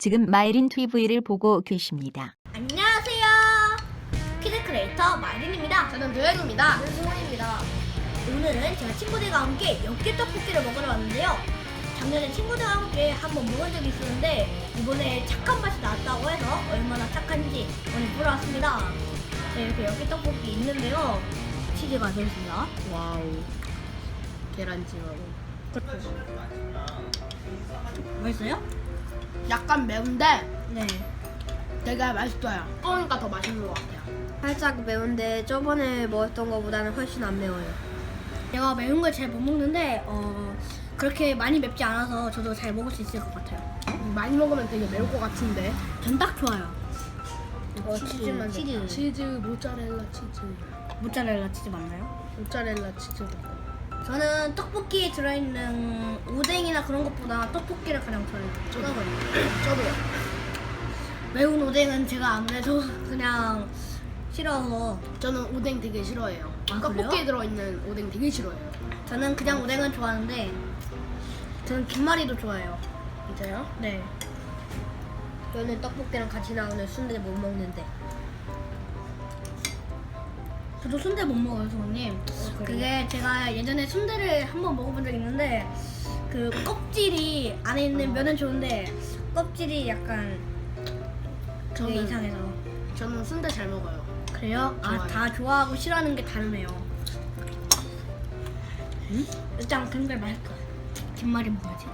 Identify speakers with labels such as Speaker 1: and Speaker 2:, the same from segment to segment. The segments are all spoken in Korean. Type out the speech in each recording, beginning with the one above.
Speaker 1: 지금 마이린 TV를 보고 계십니다.
Speaker 2: 안녕하세요. 키드 크리에이터 마이린입니다.
Speaker 3: 저는 도현입니다.
Speaker 2: 저는 승원입니다. 오늘은 제가 친구들과 함께 엽기 떡볶이를 먹으러 왔는데요. 작년에 친구들과 함께 한번 먹은 적이 있었는데 이번에 착한 맛이 나왔다고 해서 얼마나 착한지 오늘 보러 왔습니다. 네, 이렇게 엽기 떡볶이 있는데요. 치즈가 들어있습니다.
Speaker 3: 와우. 계란찜하고.
Speaker 2: 맛있어요?
Speaker 3: 약간 매운데
Speaker 2: 네.
Speaker 3: 되게 맛있어요. 그러니까 더 맛있는 것 같아요.
Speaker 2: 살짝 매운데 저번에 먹었던 것보다는 훨씬 안 매워요. 제가 매운 걸 잘 못 먹는데 그렇게 많이 맵지 않아서 저도 잘 먹을 수 있을 것 같아요.
Speaker 3: 많이 먹으면 되게 매울 것 같은데.
Speaker 2: 전 딱 좋아요. 치즈만 치즈.
Speaker 3: 치즈, 모짜렐라 치즈.
Speaker 2: 모짜렐라 치즈 맞나요?
Speaker 3: 모짜렐라 치즈.
Speaker 2: 저는 떡볶이에 들어있는 오뎅이나 그런 것보다 떡볶이를 가장 좋아해요.
Speaker 3: 저도요.
Speaker 2: 매운 오뎅은 제가 아무래도 그냥 싫어서
Speaker 3: 저는 오뎅 되게 싫어해요.
Speaker 2: 아,
Speaker 3: 떡볶이에
Speaker 2: 그래요?
Speaker 3: 들어있는 오뎅 되게 싫어해요.
Speaker 2: 저는 그냥 오뎅은 좋아하는데 저는 김말이도 좋아해요.
Speaker 3: 진짜요?
Speaker 2: 네. 저는 떡볶이랑 같이 나오는 순대 못 먹는데. 저도 순대 못 먹어요, 성우님. 그게 제가 예전에 순대를 한번 먹어본 적이 있는데 그 껍질이 안에 있는 면은 좋은데 껍질이 약간 그게
Speaker 3: 저는-
Speaker 2: 이상해서.
Speaker 3: 저는 순대 잘 먹어요.
Speaker 2: 그래요? 아,
Speaker 3: 좋아요.
Speaker 2: 다 좋아하고 싫어하는 게 다르네요. 일단 그런 걸 맛있어. 김말이 먹어야지.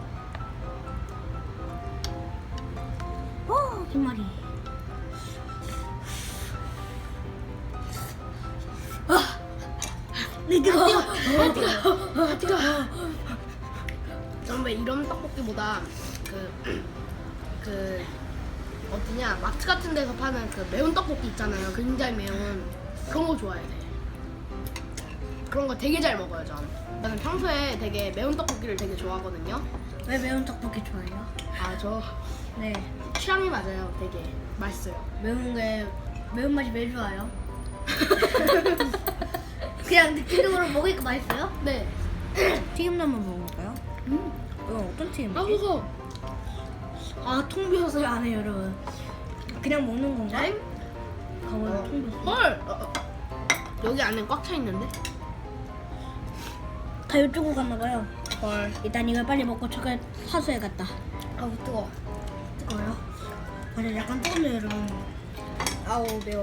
Speaker 2: 오, 김말이.
Speaker 3: 저는 왜 이런 떡볶이보다 그 어디냐 마트 같은 데서 파는 그 매운 떡볶이 있잖아요. 굉장히 매운 그런 거 좋아해요. 그런 거 되게 잘 먹어요. 저는 평소에 되게 매운 떡볶이를 되게 좋아하거든요.
Speaker 2: 왜 매운 떡볶이 좋아해요?
Speaker 3: 아 저
Speaker 2: 네.
Speaker 3: 취향이 맞아요. 되게 맛있어요.
Speaker 2: 매운맛이 왜 좋아요? 그냥 느낌적으로 먹으니까 맛있어요?
Speaker 3: 네.
Speaker 2: 튀김도 한번 먹어볼까요? 이건 어떤 튀김이지?
Speaker 3: 아 그거
Speaker 2: 아, 통 비어서 안 해요, 여러분. 그냥 먹는 건가?
Speaker 3: 네?
Speaker 2: 가만히 통 비었어.
Speaker 3: 헐. 여기 안에 꽉 차 있는데?
Speaker 2: 다 이쪽으로 갔나봐요.
Speaker 3: 헐.
Speaker 2: 일단 이걸 빨리 먹고 저걸 하수해 갔다.
Speaker 3: 아우 뜨거.
Speaker 2: 뜨거워요? 맞아, 약간 뜨겁네요, 여러분.
Speaker 3: 아우 매워.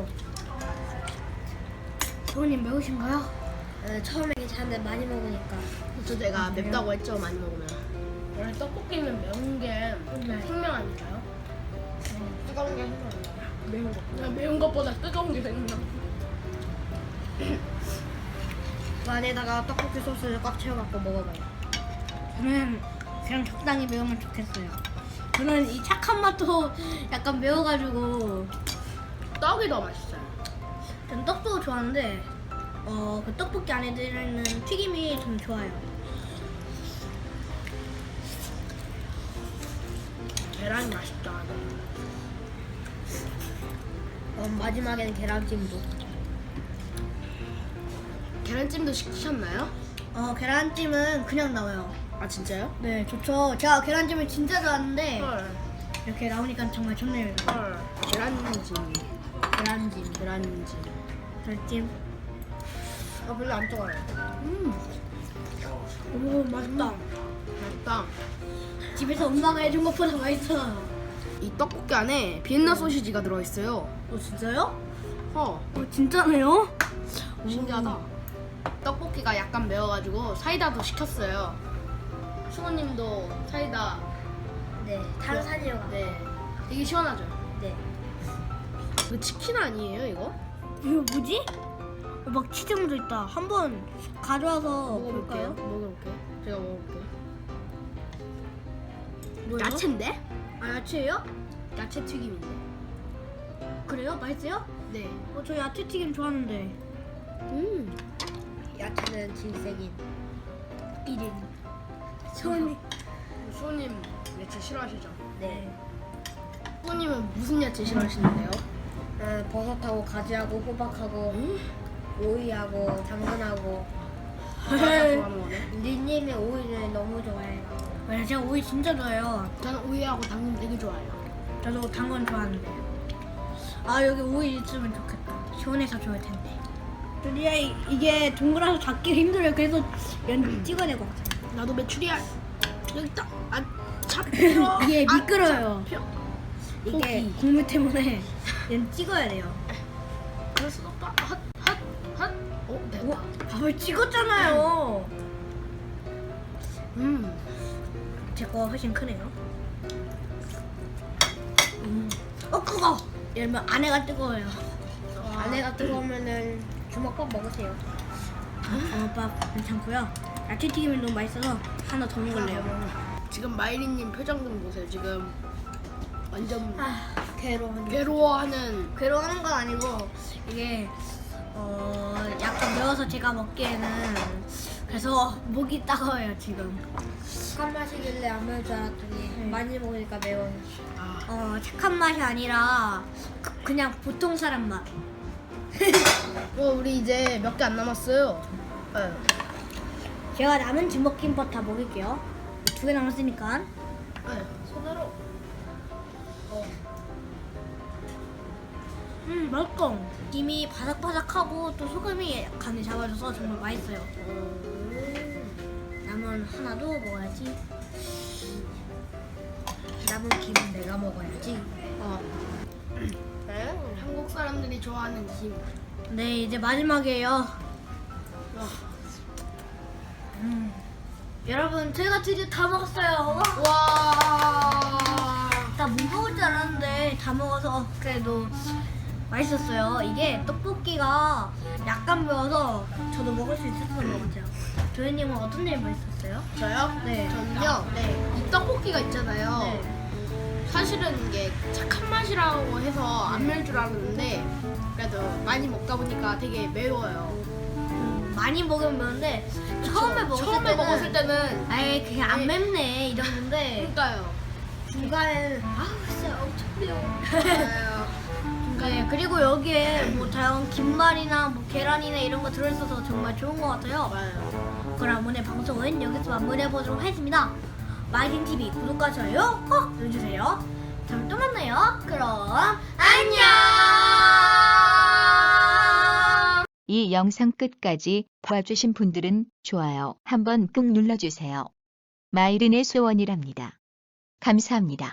Speaker 2: 부모님 매우신가요? 네, 처음에 괜찮은데 많이 먹으니까.
Speaker 3: 저 제가
Speaker 2: 아, 그래요?
Speaker 3: 맵다고 했죠. 많이 먹으면. 원래 떡볶이는 매운 게
Speaker 2: 네.
Speaker 3: 생명 아닐까요? 뜨거운 게 생명 아닌가요? 매운 거. 매운 것보다 뜨거운 게 생명.
Speaker 2: 그 안에다가 떡볶이 소스를 꽉 채워갖고 먹어봐요. 저는 그냥 적당히 매우면 좋겠어요. 저는 이 착한 맛도 약간 매워가지고
Speaker 3: 떡이 더 맛있어요.
Speaker 2: 전 떡도 좋아하는데 그 떡볶이 안에 들어있는 튀김이 좀 좋아요.
Speaker 3: 계란이 맛있다.
Speaker 2: 마지막에는 계란찜도.
Speaker 3: 계란찜도 시키셨나요?
Speaker 2: 계란찜은 그냥 나와요.
Speaker 3: 아 진짜요?
Speaker 2: 네, 좋죠. 제가 계란찜을 진짜 좋아하는데
Speaker 3: 헐.
Speaker 2: 이렇게 나오니까 정말 좋네요. 여러분.
Speaker 3: 헐. 계란찜.
Speaker 2: 계란찜,
Speaker 3: 계란찜.
Speaker 2: 계란찜.
Speaker 3: 별로 안 뜨거워요.
Speaker 2: 오, 맛있다.
Speaker 3: 맛있다.
Speaker 2: 집에서 엄마가 해준 것보다 맛있어요.
Speaker 3: 이 떡볶이 안에 비엔나 소시지가 들어있어요.
Speaker 2: 진짜요?
Speaker 3: 진짜네요?
Speaker 2: 오.
Speaker 3: 신기하다. 떡볶이가 약간 매워가지고 사이다도 시켰어요. 수모님도 사이다.
Speaker 2: 네, 탄산이요.
Speaker 3: 네. 되게 시원하죠?
Speaker 2: 네.
Speaker 3: 이거 치킨 아니에요, 이거?
Speaker 2: 이거 뭐지? 막 치즈 묻어 있다. 한번 가져와서
Speaker 3: 먹어볼게요.
Speaker 2: 볼까요?
Speaker 3: 먹어볼게요. 제가 먹어볼게요.
Speaker 2: 뭐예요?
Speaker 3: 야채인데?
Speaker 2: 아, 야채예요?
Speaker 3: 야채 튀김인데.
Speaker 2: 그래요? 맛있어요?
Speaker 3: 네.
Speaker 2: 저 야채 튀김 좋아하는데.
Speaker 4: 야채는 질색인
Speaker 2: 1인. 수원이.
Speaker 3: 수호님 야채 싫어하시죠?
Speaker 4: 네.
Speaker 3: 수호님은 무슨 야채 싫어하시는데요?
Speaker 4: 버섯하고 가지하고 호박하고 오이하고 당근하고
Speaker 3: 다 좋아하는 거네.
Speaker 4: 리님이 오이를 너무 좋아해요.
Speaker 2: 제가 오이 진짜 좋아해요.
Speaker 3: 저는 오이하고 당근 되게 좋아해요.
Speaker 2: 저도 단 건 좋아하는데. 아 여기 우유 있으면 좋겠다. 시원해서 좋을 텐데. 근데 이게 동그라서 잡기 힘들어요. 그래서 연 찍어내고 왔어요.
Speaker 3: 나도 메추리알. 여기 있다. 아, 잡혀.
Speaker 2: 이게
Speaker 3: 아,
Speaker 2: 미끄러요.
Speaker 3: 잡혀.
Speaker 2: 이게
Speaker 3: 포기.
Speaker 2: 국물 때문에 연 찍어야 돼요.
Speaker 3: 그럴 순 없다. 핫, 핫, 핫. 어, 됐다.
Speaker 2: 오, 밥을 찍었잖아요. 제 거 훨씬 크네요. 그거 열면 안에가 뜨거워요.
Speaker 4: 안에가 뜨거우면은 주먹밥 먹으세요.
Speaker 2: 밥 괜찮고요. 야채 튀김이 너무 맛있어서 하나 더 먹을래요.
Speaker 3: 지금 마이리님 표정 좀 보세요. 지금 완전
Speaker 4: 괴로운.
Speaker 3: 괴로워하는.
Speaker 2: 괴로워하는 건 아니고 이게 약간 매워서 제가 먹기에는 그래서 목이 따가워요 지금.
Speaker 4: 착한 맛이길래 안 매울 줄 알았더니 많이 먹으니까 매워요.
Speaker 2: 착한 맛이 아니라 그냥 보통 사람 맛.
Speaker 3: 우리 이제 몇 개 안 남았어요. 네.
Speaker 2: 제가 남은 주먹김밥 다 먹을게요. 2개 남았으니까.
Speaker 3: 네.
Speaker 4: 손으로.
Speaker 2: 맛있어. 김이 바삭바삭하고 또 소금이 간을 잡아줘서 정말 맛있어요. 남은 하나도 먹어야지.
Speaker 4: 남은 김은 내가 먹어야지.
Speaker 3: 한국 사람들이 좋아하는 김.
Speaker 2: 네, 이제 마지막이에요. 여러분, 저희가 드디어 다 먹었어요.
Speaker 3: 와.
Speaker 2: 다 못 먹을 줄 알았는데 다 먹어서 그래도 맛있었어요. 이게 떡볶이가 약간 매워서 저도 먹을 수 있었던 것 같아요. 도현님은 어떤 점이 맛있었어요?
Speaker 3: 저요?
Speaker 2: 네.
Speaker 3: 저는요. 이 떡볶이가 있잖아요.
Speaker 2: 네.
Speaker 3: 사실은 이게 착한 맛이라고 해서 안 매울 줄 알았는데 그래도 많이 먹다 보니까 되게 매워요.
Speaker 2: 많이 먹으면 매운데 처음에
Speaker 3: 먹었을 때는
Speaker 2: 아예 그게 안
Speaker 3: 네.
Speaker 2: 맵네 이러는데
Speaker 3: 그러니까요.
Speaker 2: 중간에는 진짜 엄청 매워.
Speaker 3: 맞아요.
Speaker 2: 네, 그리고 여기에 뭐 다양한 김말이나 뭐 계란이나 이런 거 들어있어서 정말 좋은 것 같아요.
Speaker 3: 맞아요.
Speaker 2: 그럼 오늘 방송은 여기서 마무리해보도록 하겠습니다. 마이딘TV 구독과 좋아요 꼭 눌러주세요. 다음에 또 만나요. 그럼 안녕.
Speaker 1: 이 영상 끝까지 봐주신 분들은 좋아요 한번 꾹 눌러주세요. 마이른의 소원이랍니다. 감사합니다.